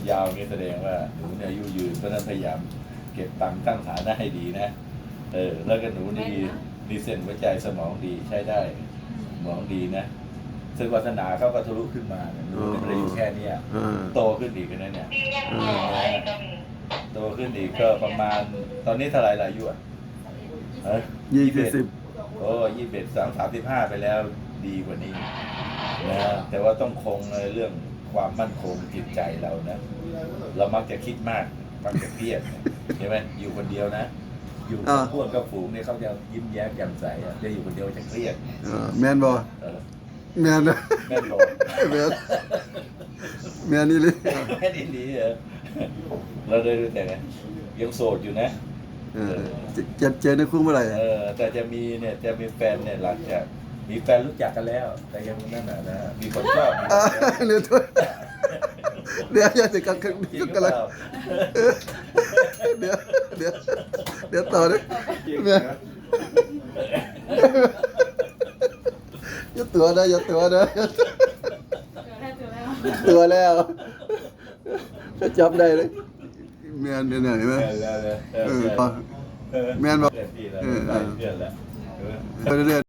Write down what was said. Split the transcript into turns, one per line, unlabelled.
ยาวนี่แสดงว่าหนูเนี่ยอายุยืนเพราะฉะนั้นพยายามเก็บตังค์ตั้งฐานะให้ดีนะแล้วก็หนูนี่มีเส้นหัวใจสมองดีใช้ได้สมองดีนะซึ่งวาสนาเขาก็ทะลุขึ้นมาหนูไม่ได้อยู่แค่นี้โตขึ้นอีกนะเนี่ยโตขึ้นอีกก็ประมาณตอนนี้เท่าไหร่ละอายุอ่ะ
20
โอ้31 35ไปแล้วดีกว่านี้นะแต่ว่าต้องคงในเรื่องความมั่นคงจิตใจเรานะเรามักจะคิดมากมักจะเครียดใช่ไหมอยู่คนเดียวนะอยู่กับพวกกับฝูงเนี่ยเขาจะยิ้มแย้มแจ่มใสจะอยู่คนเดียวจะเครียด
แมนบ่แมนนะ
แม่นบอก
แมนนี่เลย
แม่นอินดีเราได้รู้แต่ไงยังโสดอยู่นะ
เจอในคุกเมื่อไหร่
แต่จะมีแฟนเนี่ยหลังจากมีแฟนรู้จักกันแล้ว แต่ยังนั่นนะมีคนชอบ
เรือถ้วยเรือยังติดกันกันเลยเดี๋ยวต่อเลยอย่าตัวนะตัวแล้วจะจับได้เลยแมนเนี่ยเห็นไหมแมนบอก
เพื่อนแล้วเรื่อย